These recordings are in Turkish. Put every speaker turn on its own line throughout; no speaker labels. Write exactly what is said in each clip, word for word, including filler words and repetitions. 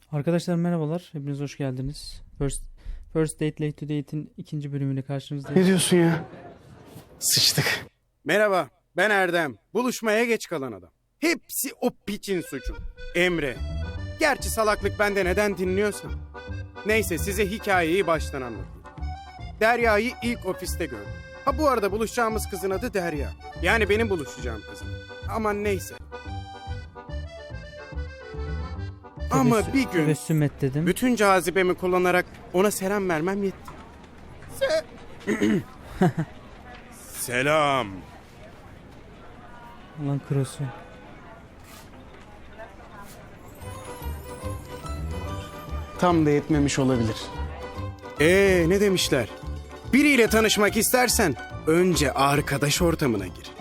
Arkadaşlar merhabalar. Hepiniz hoş geldiniz. First, First Date Late to Date'in ikinci bölümüyle karşınızdayım.
Ne diyorsun ya? Sıçtık.
Merhaba, ben Erdem. Buluşmaya geç kalan adam. Hepsi o piçin suçu. Emre. Gerçi salaklık bende, neden dinliyorsan. Neyse, size hikayeyi baştan anlatayım. Derya'yı ilk ofiste gördüm. Ha bu arada buluşacağımız kızın adı Derya. Yani benim buluşacağım kızım. Aman neyse. Ama
Tebessüm-
bir gün
Tebessüm et dedim.
bütün cazibemi kullanarak ona selam vermem yetti. Se- Selam.
Ulan krosu.
Tam da yetmemiş olabilir.
Ee ne demişler? Biriyle tanışmak istersen önce arkadaş ortamına gir.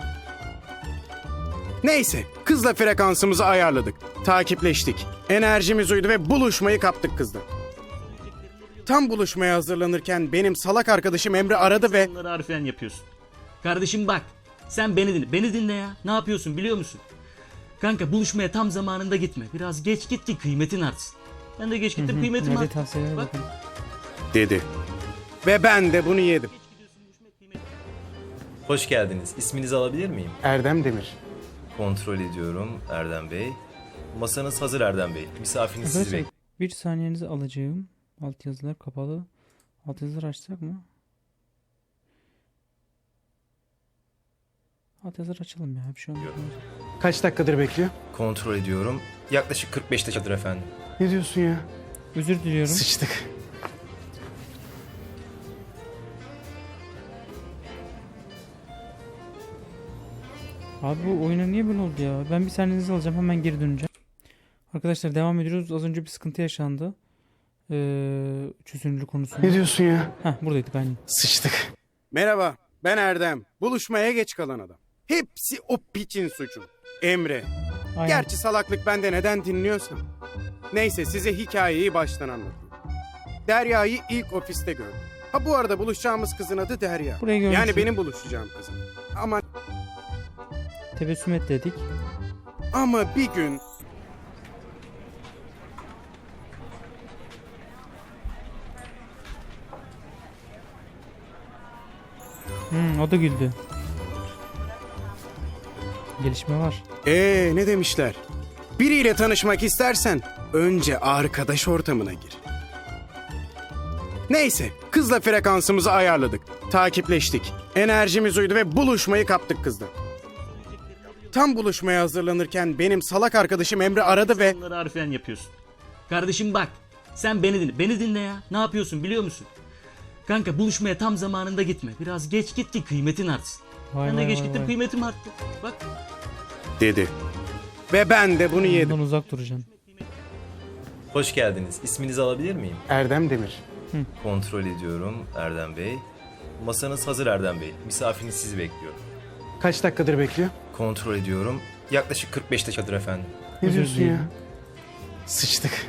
Neyse, kızla frekansımızı ayarladık. Takipleştik. Enerjimiz uydu ve buluşmayı kaptık kızla. Tam buluşmaya hazırlanırken benim salak arkadaşım Emre aradı ve...
Bunları harfiyen yapıyorsun. Kardeşim bak, sen beni dinle. Beni dinle ya. Ne yapıyorsun biliyor musun? Kanka buluşmaya tam zamanında gitme. Biraz geç git ki kıymetin artsın. Ben de geç gittim, kıymetim
Nerede
arttı.
tavsiyelere
Bak.
bakın.
Dedi. Ve ben de bunu yedim.
Hoş geldiniz. İsminizi alabilir miyim?
Erdem Demir.
Kontrol ediyorum Erdem Bey. Masanız hazır Erdem Bey. Misafiriniz sizi
Arkadaşlar
bekliyor.
bir saniyenizi alacağım. Alt yazılar kapalı. Alt yazılar açsak mı? Alt yazılar açalım ya. Bir şey olmaz.
Kaç dakikadır bekliyor?
Kontrol ediyorum. Yaklaşık kırk beş dakikadır efendim.
Ne diyorsun ya?
Özür diliyorum.
Sıçtık.
Abi bu oyuna niye böyle oldu ya? Ben bir saniyenizi alacağım. Hemen geri döneceğim. Arkadaşlar devam ediyoruz. Az önce bir sıkıntı yaşandı. Ee, çözünürlük konusunda.
Ne diyorsun ya?
Heh, buradaydık aynen.
Sıçtık.
Merhaba, ben Erdem. Buluşmaya geç kalan adam. Hepsi o piçin suçu. Emre.
Aynen.
Gerçi salaklık bende, neden dinliyorsan. Neyse, size hikayeyi baştan anlatayım. Derya'yı ilk ofiste gördüm. Ha bu arada buluşacağımız kızın adı Derya.
Burayı görmüştüm.
Yani benim buluşacağım kızım. Ama
Tebessüm et dedik.
ama bir gün
Hmm, o da güldü. Gelişme var.
ee ne demişler? Biriyle tanışmak istersen önce arkadaş ortamına gir. Neyse, kızla frekansımızı ayarladık. Takipleştik. Enerjimiz uydu ve buluşmayı kaptık kızla. Tam buluşmaya hazırlanırken benim salak arkadaşım Emre aradı ve...
Bunları harfiyen yapıyorsun. Kardeşim bak, sen beni dinle. Beni dinle ya. Ne yapıyorsun biliyor musun? Kanka buluşmaya tam zamanında gitme. Biraz geç git ki kıymetin artsın.
Vay
Ben de
vay
geç
vay
gittim,
vay.
kıymetim arttı. Bak.
Dedi. Ve ben de bunu yedim.
Bundan uzak duracaksın.
Hoş geldiniz. İsminizi alabilir miyim?
Erdem Demir.
Kontrol ediyorum Erdem Bey. Masanız hazır Erdem Bey. Misafiriniz sizi bekliyor.
Kaç dakikadır bekliyor?
Kontrol ediyorum. Yaklaşık kırk beş dakikadır efendim.
Ne
Özür
diyorsun
dilerim.
ya? Sıçtık.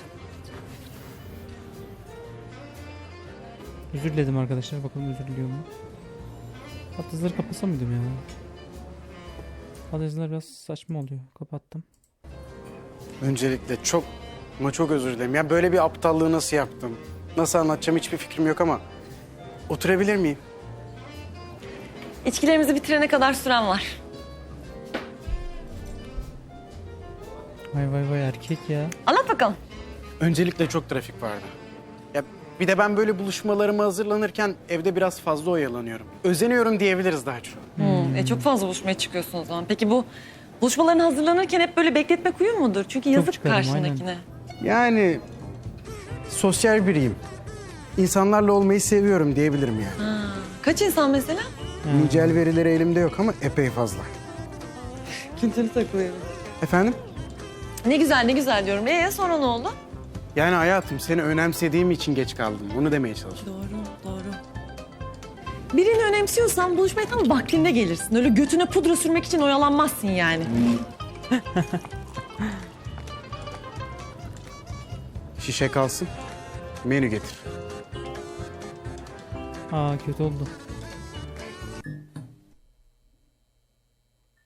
Özür diledim arkadaşlar. Bakalım özür diliyor mu? Alt yazıları kapasam mıydım ya? Alt yazılar biraz saçma oluyor. Kapattım.
Öncelikle çok ama çok özür dilerim. Ya böyle bir aptallığı nasıl yaptım? Nasıl anlatacağım hiçbir fikrim yok ama oturabilir miyim?
İçkilerimizi bitirene kadar süren var.
Vay vay vay erkek ya.
Anlat bakalım.
Öncelikle çok trafik vardı. Ya bir de ben böyle buluşmalarıma hazırlanırken evde biraz fazla oyalanıyorum. Özeniyorum diyebiliriz daha çok.
Hmm, e, çok fazla buluşmaya çıkıyorsun o zaman. Peki bu buluşmaların hazırlanırken hep böyle bekletmek uyum mudur? Çünkü yazık
çıkarım,
karşındakine.
Yani sosyal biriyim. İnsanlarla olmayı seviyorum diyebilirim yani.
Ha, kaç insan mesela?
Nicel verileri elimde yok ama epey fazla.
Kimseni takılıyorum.
Efendim?
Ne güzel ne güzel diyorum. Ee sonra ne oldu?
Yani hayatım seni önemsediğim için geç kaldım. Bunu demeye çalışıyorum.
Doğru doğru. Birini önemsiyorsan buluşmaya tam vaktinde gelirsin. Öyle götüne pudra sürmek için oyalanmazsın yani.
Şişe kalsın. Menü getir.
Aa kötü oldu.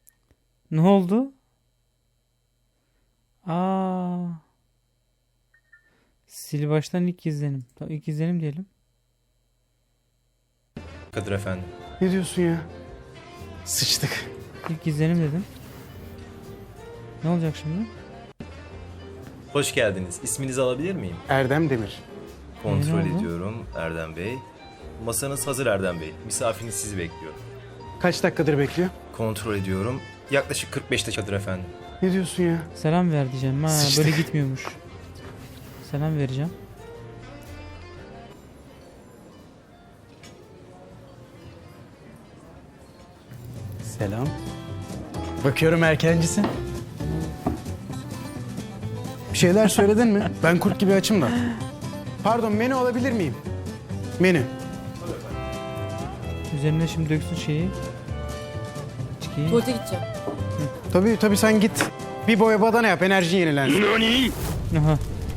Ne oldu? Aa. Sil baştan ilk izlenim. Tamam, ilk izlenim diyelim.
Kadir Efendi.
Ne diyorsun ya? Sıçtık.
İlk izlenim dedim. Ne olacak şimdi?
Hoş geldiniz. İsminizi alabilir miyim?
Erdem Demir.
Kontrol
Ne oldu?
ediyorum Erdem Bey. Masanız hazır Erdem Bey. Misafiriniz sizi bekliyor.
Kaç dakikadır bekliyor?
Kontrol ediyorum. Yaklaşık kırk beş dakikadır efendim.
Ne diyorsun ya?
Selam ver diyeceğim. Ha,
Sıçtık.
böyle gitmiyormuş. Selam vereceğim.
Selam. Bakıyorum erkencisin. Bir şeyler söyledin mi? Ben kurt gibi açım da. Pardon, menü alabilir miyim? Menü.
Üzerine şimdi döksün şeyi. İçkiyi.
Tuvalete gideceğim.
Tabii tabii, sen git. Bir boya badana yap, enerji yenilensin.
Aha.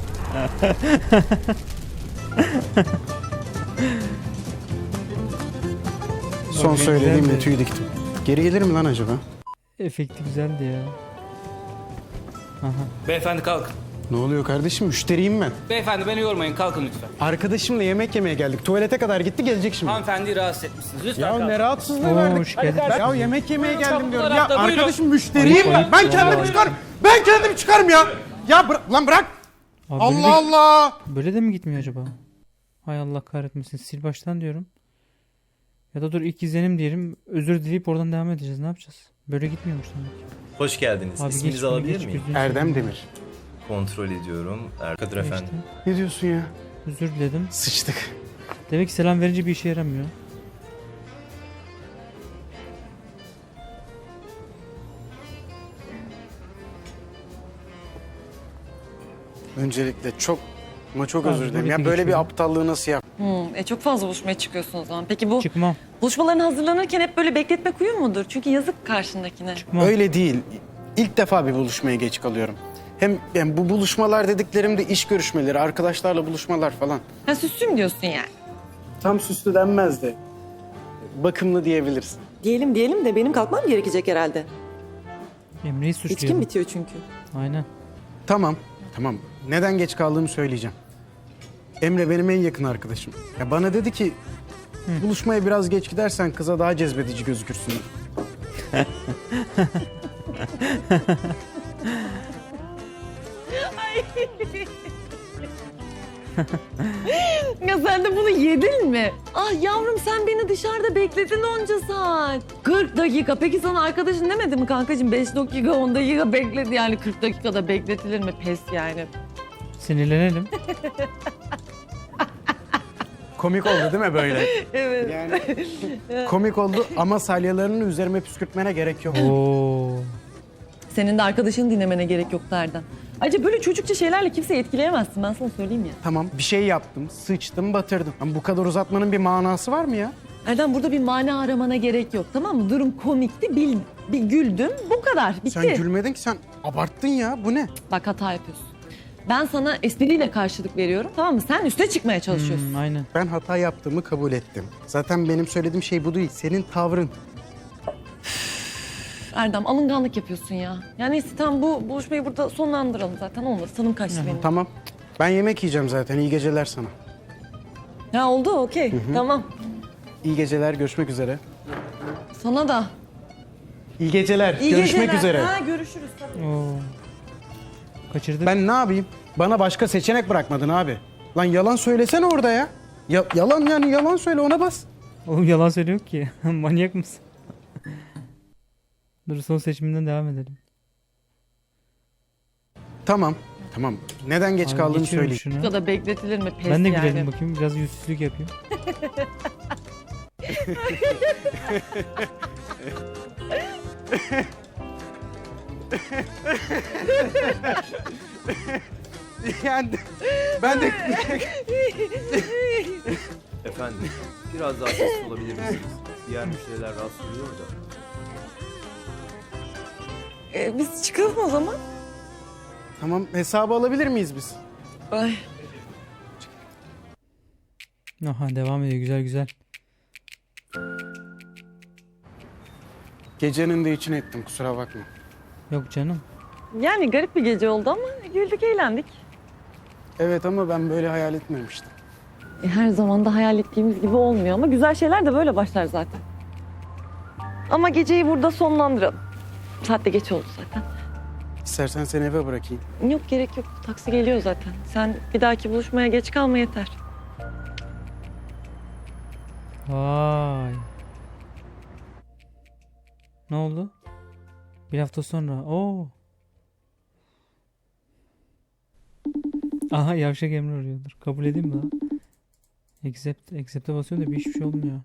Son
Bak,
söylediğimle
güzeldi.
tüy diktim. Geri gelir mi lan acaba?
Efekti güzeldi ya. Aha.
Beyefendi kalkın.
Ne oluyor kardeşim? Müşteriyim ben.
Beyefendi beni yormayın kalkın lütfen.
Arkadaşımla yemek yemeye geldik. Tuvalete kadar gitti, gelecek şimdi.
Hanımefendiyi rahatsız etmişsiniz. Lütfen
Ya
kalkın.
ne rahatsızlığı
Oo,
verdik.
hoş geldin.
Ya yemek yemeye geldim diyorum. Ya
tarafta, buyurun.
arkadaşım müşteriyim ben. Ben kendim çıkarım. Ben kendim çıkarım ya. Ya bırak lan, bırak.
Abi böyle de-
Allah Allah.
Böyle de mi gitmiyor acaba? Hay Allah kahretmesin. Sil baştan diyorum. Ya da dur ilk izlenim diyelim. Özür dileyip oradan devam edeceğiz. Ne yapacağız? Böyle gitmiyormuş demek ki.
Hoş geldiniz.
Abi geç
İsminizi
bunu,
alabilir
geç,
miyim?
gözünü
Erdem
seveyim.
Demir.
Kontrol ediyorum. Er Kadir
Geçti.
Efendi.
Ne diyorsun ya?
Özür diledim.
Sıçtık.
Demek ki selam verince bir işe yaramıyor.
Öncelikle çok ama çok
Abi,
özür dilerim.
böyle
Ya
bir
böyle bir
geçiyorum.
aptallığı nasıl yap?
Hmm, e çok fazla buluşmaya çıkıyorsun o zaman. Peki bu
Çıkmam.
buluşmaların hazırlanırken hep böyle bekletmek uyum mudur? Çünkü yazık karşındakine.
Çıkmam.
Öyle değil. İlk defa bir buluşmaya geç kalıyorum. Hem yani bu buluşmalar dediklerim de iş görüşmeleri, arkadaşlarla buluşmalar falan.
Ha süslüm diyorsun yani.
Tam süslü denmez de bakımlı diyebilirsin.
Diyelim diyelim de benim kalkmam gerekecek herhalde.
Emre'yi
İçkim
suçluyorum.
bitiyor çünkü.
Aynen.
Tamam, tamam. Neden geç kaldığımı söyleyeceğim. Emre benim en yakın arkadaşım. Ya bana dedi ki buluşmaya biraz geç gidersen kıza daha cezbedici gözükürsün.
Ya sen de bunu yedin mi? Ah yavrum sen beni dışarıda bekledin onca saat. kırk dakika. Peki sana arkadaşın demedi mi kankacığım? beş dakika on dakika bekledi yani kırk dakikada bekletilir mi? Pes yani.
Sinirlenelim.
Komik oldu değil mi böyle?
Evet.
Yani komik oldu ama salyalarını üzerime püskürtmene gerek yok.
Oo.
Senin de arkadaşını dinlemene gerek yok Erdem. Ayrıca böyle çocukça şeylerle kimseyi etkileyemezsin ben sana söyleyeyim ya.
Tamam, bir şey yaptım, sıçtım, batırdım. Ama bu kadar uzatmanın bir manası var mı ya?
Erdem burada bir mana aramana gerek yok tamam mı? Durum komikti, bil, bir güldüm bu kadar bitti.
Sen gülmedin ki, sen abarttın ya. Bu ne?
Bak hata yapıyorsun. Ben sana espriyle karşılık veriyorum tamam mı? Sen üste çıkmaya çalışıyorsun.
Hmm, aynen.
Ben hata yaptığımı kabul ettim. Zaten benim söylediğim şey bu değil. Senin tavrın.
Erdem alınganlık yapıyorsun ya. Yani neyse tamam bu buluşmayı burada sonlandıralım zaten olmadı. Tanım kaçtı benim.
Tamam. Ben yemek yiyeceğim zaten. İyi geceler sana.
Ya oldu okey tamam.
İyi geceler. Görüşmek üzere.
Sana da.
İyi geceler.
İyi
Görüşmek
geceler.
üzere.
Ha, görüşürüz tabii.
Oo. Kaçırdık.
Ben ne yapayım? Bana başka seçenek bırakmadın abi. Lan yalan söylesene orada ya. Ya yalan yani yalan söyle, ona bas.
Oğlum yalan söylüyor ki. Manyak mısın? Dur son seçiminden devam edelim.
Tamam. Tamam. Neden geç
Abi
kaldığını
geçiyorum
söyleyeyim.
şunu.
Bu kadar bekletilir mi? Pes
Ben de
yani.
gülelim bakayım. Biraz yüzsüzlük yapayım.
Yani ben de
Efendim, biraz daha sessiz olabilir misiniz? Diğer müşteriler rahatsız oluyor da.
Ee, biz çıkalım o zaman.
tamam, hesabı alabilir miyiz biz?
Ay.
Aha devam ediyor. Güzel güzel.
Gecenin de içine ettim, kusura bakma.
Yok canım.
Yani garip bir gece oldu ama güldük eğlendik.
Evet ama ben böyle hayal etmemiştim.
E, her zaman da hayal ettiğimiz gibi olmuyor ama güzel şeyler de böyle başlar zaten. Ama geceyi burada sonlandıralım. Saat de geç oldu zaten.
İstersen seni eve bırakayım.
Yok gerek yok. Taksi geliyor zaten. Sen bir dahaki buluşmaya geç kalma yeter.
Vay. Ne oldu? Bir hafta sonra. Oo. Aha yavşak Emre arıyordur. Kabul edeyim mi lan? Accept, accept'e basıyorum da bir hiçbir şey olmuyor.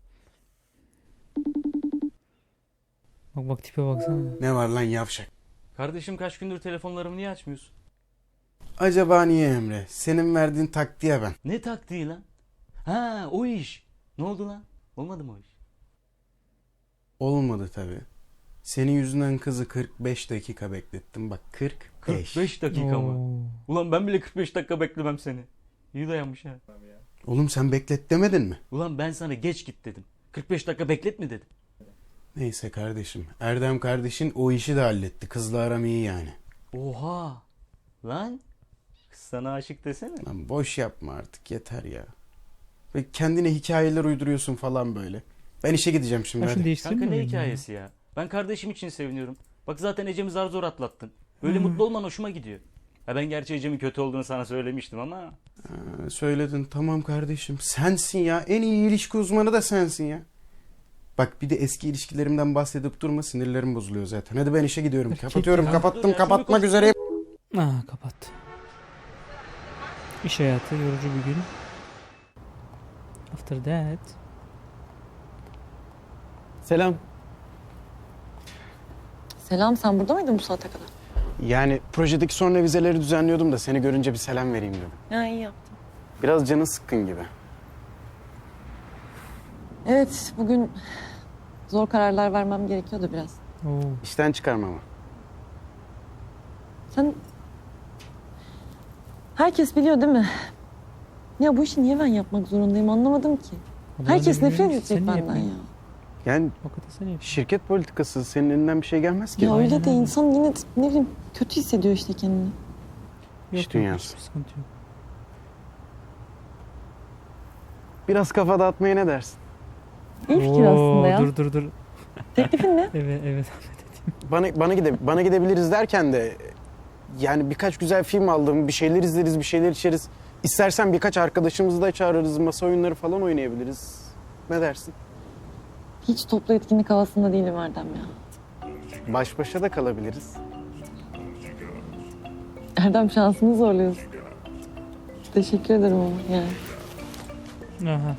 Bak bak tipe baksana.
Ne var lan yavşak?
Kardeşim kaç gündür telefonlarımı niye açmıyorsun?
Acaba niye Emre? Senin verdiğin taktiğe ben.
Ne taktiği lan? Ha o iş. Ne oldu lan? Olmadı mı o iş?
Olmadı tabii. Senin yüzünden kızı kırk beş dakika beklettim. Bak kırk beş.
kırk beş dakika mı?
Oo.
Ulan ben bile kırk beş dakika beklemem seni. İyi dayanmış ha.
Oğlum sen beklet demedin mi?
Ulan ben sana geç git dedim. kırk beş dakika beklet mi dedim.
Neyse kardeşim. Erdem kardeşin o işi de halletti. Kızla aram iyi yani.
Oha. Lan. Kız sana aşık desene.
Lan boş yapma artık yeter ya. Ve kendine hikayeler uyduruyorsun falan böyle. Ben işe gideceğim şimdi
Ya şunu
hadi.
değiştireyim
Kanka
mi
ne
ben ya?
hikayesi ya? Ben kardeşim için seviniyorum. Bak zaten Ecem'i zar zor atlattın. Böyle mutlu olman hoşuma gidiyor. Ha ben gerçi Ecem'in kötü olduğunu sana söylemiştim ama.
Ha, söyledin tamam kardeşim. Sensin ya. En iyi ilişki uzmanı da sensin ya. Bak bir de eski ilişkilerimden bahsedip durma, sinirlerim bozuluyor zaten. Hadi ben işe gidiyorum. Kapatıyorum.
ya.
Kapattım.
Dur ya,
Kapatmak
şunu konuş-
üzereyim.
Ah kapat. İş hayatı yorucu bir gün. After that.
Selam.
Selam, sen burada mıydın bu saate kadar?
Yani projedeki son revizeleri düzenliyordum da seni görünce bir selam vereyim dedim.
Ya iyi yaptın.
Biraz canın sıkkın gibi.
Evet, bugün zor kararlar vermem gerekiyordu biraz.
Oo.
İşten çıkarma ama.
Sen... Herkes biliyor değil mi? Ya bu işi niye ben yapmak zorundayım anlamadım ki.
Vallahi
Herkes
ben
nefret
bilmiyorum ki,
edecek
sen niye
benden ya.
yapıyorsun?
Yani
Hakikaten sen yap.
şirket politikası senin elinden bir şey gelmez ki.
Ya
Aynen
öyle de
öyle.
insan yine de ne bileyim kötü hissediyor işte kendini.
İş
Yok,
dünyası.
Yok, hiçbir sıkıntı yok.
Biraz kafa dağıtmaya ne dersin?
İyi fikir
Oo,
aslında ya.
Dur dur dur.
Teklifin ne?
Evet evet.
Bana bana gide bana gidebiliriz derken de yani birkaç güzel film aldım. Bir şeyler izleriz, bir şeyler içeriz. İstersen birkaç arkadaşımızı da çağırırız. Masa oyunları falan oynayabiliriz. Ne dersin?
Hiç toplu etkinlik havasında değilim Erdem ya.
Baş başa da kalabiliriz.
Erdem şansını zorluyorsun. Teşekkür ederim ama yani.
Aha.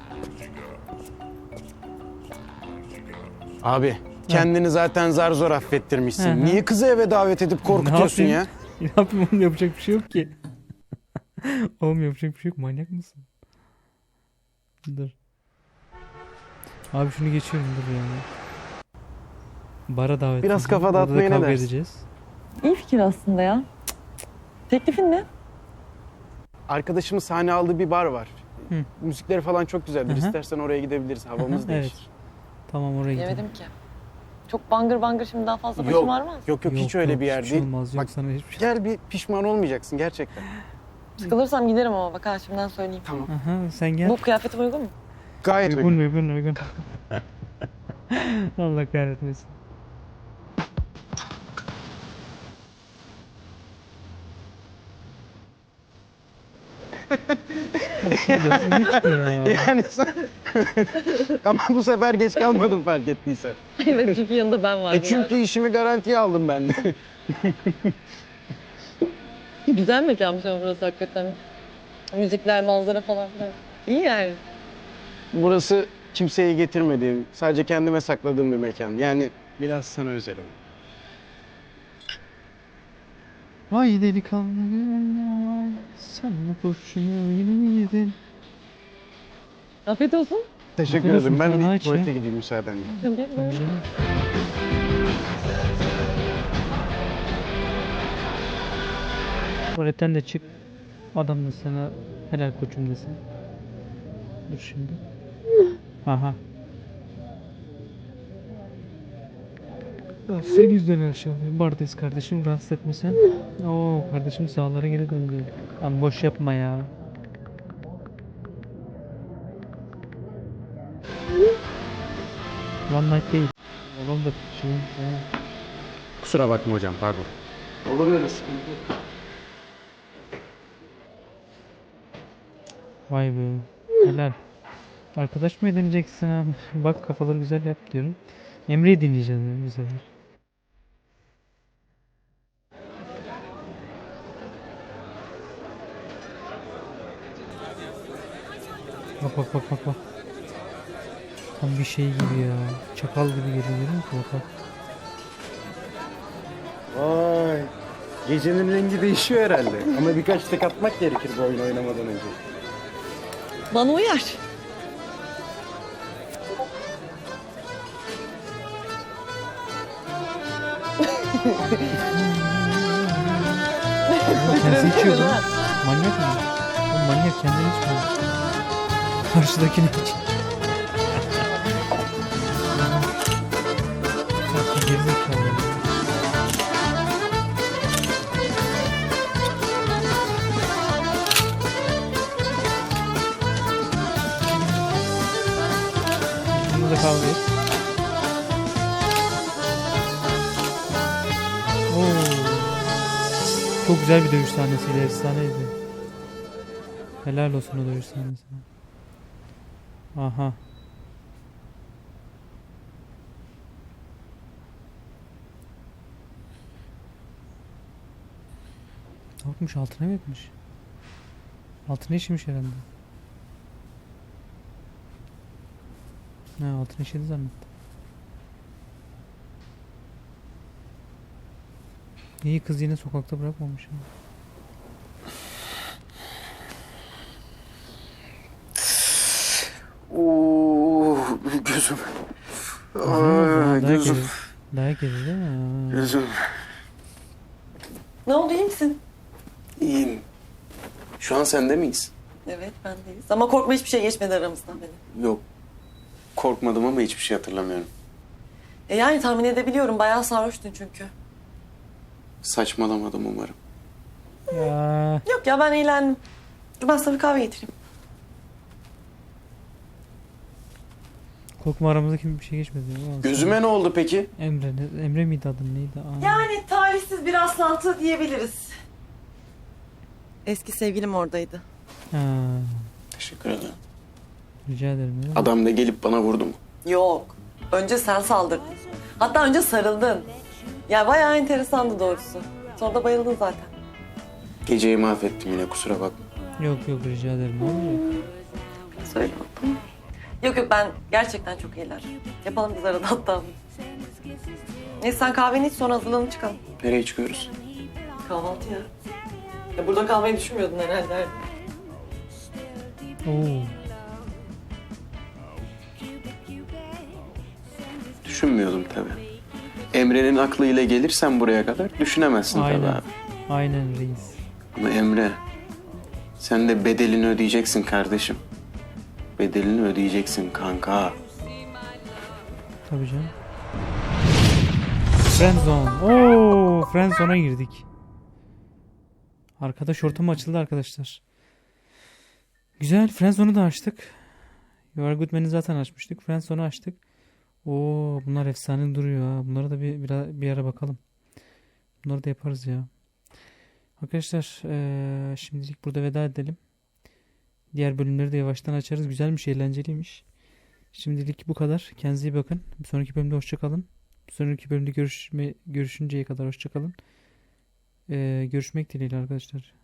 Abi kendini zaten zar zor affettirmişsin.
Hı hı.
Niye kızı eve davet edip korkutuyorsun
Ne
ya?
yapayım? Ne yapayım oğlum, yapacak bir şey yok ki. Oğlum yapacak bir şey yok, manyak mısın? Dur. Abi şunu geçiyorum dur ya. Bara davet
Biraz
edeceğim.
kafa
Orada da
dağıtmaya ne
kavga
dersin?
edeceğiz.
İyi fikir aslında ya. Teklifin ne?
Arkadaşımın sahne aldığı bir bar var.
Hı.
Müzikleri falan çok güzeldir.
Hı hı.
İstersen oraya gidebiliriz. Havamız
Hı hı,
değişir.
evet. Tamam oraya gidelim.
Yemedim ki. Çok bangır bangır şimdi daha fazla başım
Yok,
ağrımaz.
Yok yok hiç öyle bir yer
hiçbir şey
değil.
olmaz, yok
Bak,
sana hiçbir şey.
Gel bir pişman olmayacaksın gerçekten.
Sıkılırsam giderim ama bak ha şimdiden söyleyeyim.
Tamam.
Aha sen gel.
Bu kıyafetim uygun mu?
Gayet
Uygun
uygun.
uygun uygun. Allah kahretmesin. Ya.
Yani sen... Ama bu sefer geç kalmadım fark ettiysen.
Evet çünkü yanında ben varım.
E çünkü işimi garantiye aldım ben de.
Güzel mekanmış ama burası hakikaten. Müzikler, manzara falan filan. İyi yani.
Burası kimseye getirmediğim, sadece kendime sakladığım bir mekan. Yani biraz sana özelim.
Vay delikanlı, sen kurşunu yine yedin.
Afiyet olsun.
Teşekkür
Afiyet olsun,
ederim. Ben
sana
bir
aç ya.
tuvalete gideyim müsaadenle.
Tabii, buyurun.
Tuvaletten de çık. Adam da sana helal koçum desin. Dur şimdi. Aha. Senin yüzünden her şey oluyor. Buradayız kardeşim, rahatsız etme sen. Oo kardeşim sağlara geri döndü. Lan boş yapma ya. One night değil. Oğlum da şey. he.
Kusura bakma hocam, pardon.
Olur öyle sıkıntı.
Vay be. Helal. Arkadaş mı edineceksin abi? Bak kafaları güzel yap diyorum. Emre'yi dinleyeceğiz bu sefer. Bak bak bak bak bak. Tam bir şey gibi ya. Çakal gibi geliyor görüyor musun? Bak bak.
Vay. Gecenin rengi değişiyor herhalde. Ama birkaç tek atmak gerekir bu oyunu oynamadan önce.
Bana uyar.
Kendisi içiyor bu. Manyak mı? Bu manyak kendini içmiyor. Karşıdakini iç. Bak, gerizekalı ya. Bunu da kavga et. Oo. Çok güzel bir dövüş sahnesiydi, efsaneydi. Helal olsun o dövüş sahnesine. Aha. Ne yapmış? Altına mı yapmış? Altına işemiş herhalde. Ha, altına işedi zannettim. İyi kız yine sokakta bırakmamış ama.
Oo, gözüm. Aa,
Dayak
gözüm.
yedi. Dayak yedi değil mi? Ha.
Gözüm.
Ne oldu, iyi misin?
İyiyim. Şu an sende miyiz?
Evet, bendeyiz. Ama korkma, hiçbir şey geçmedi aramızdan benim.
Yok. Korkmadım ama hiçbir şey hatırlamıyorum.
E yani tahmin edebiliyorum, bayağı sarhoştun çünkü.
Saçmalamadım umarım.
Ya.
Yok ya, ben eğlendim. Dur ben sana bir kahve getireyim.
Korkma aramızdaki bir şey geçmedi. Ama
Gözüme ne oldu peki?
Emre, ne- Emre miydi adın neydi? Aa.
Yani talihsiz bir rastlantı diyebiliriz. Eski sevgilim oradaydı.
Ha,
Teşekkür ederim.
rica ederim. Ya.
Adam da gelip bana vurdu mu?
Yok. Önce sen saldırdın. Hatta önce sarıldın. Ya bayağı enteresandı doğrusu. Sonra da bayıldın zaten.
Geceyi mahvettim yine, kusura bakma.
Yok yok rica ederim. Ne olacak?
Söyle bakalım. Yok yok, ben gerçekten çok eğlendim. Yapalım biz arada hatta. Neyse sen kahveni iç, sonra hazırlanıp çıkalım.
Nereye çıkıyoruz?
Kahvaltıya. Ya burada kalmayı düşünmüyordun herhalde.
Oo.
Düşünmüyordum tabii. Emre'nin aklıyla gelirsen buraya kadar düşünemezsin tabii
Aynen.
abi.
Aynen reis.
Ama Emre, sen de bedelini ödeyeceksin kardeşim. Bedelini ödeyeceksin kanka.
Tabii canım. Friendzone. Oo, Friendzone'a girdik. Arkadaş ortamı açıldı arkadaşlar. Güzel. Friendzone'u da açtık. You Are Good Man'i zaten açmıştık. Friendzone'u açtık. Oo, bunlar efsane duruyor ha. Bunlara da bir, bir, bir ara bakalım. Bunları da yaparız ya. Arkadaşlar eee, şimdilik burada veda edelim. Diğer bölümleri de yavaştan açarız. Güzelmiş, eğlenceliymiş. Şimdilik bu kadar. Kendinize iyi bakın. Bir sonraki bölümde hoşça kalın. Bir sonraki bölümde görüşme, görüşünceye kadar hoşça kalın. Eee, görüşmek dileğiyle arkadaşlar.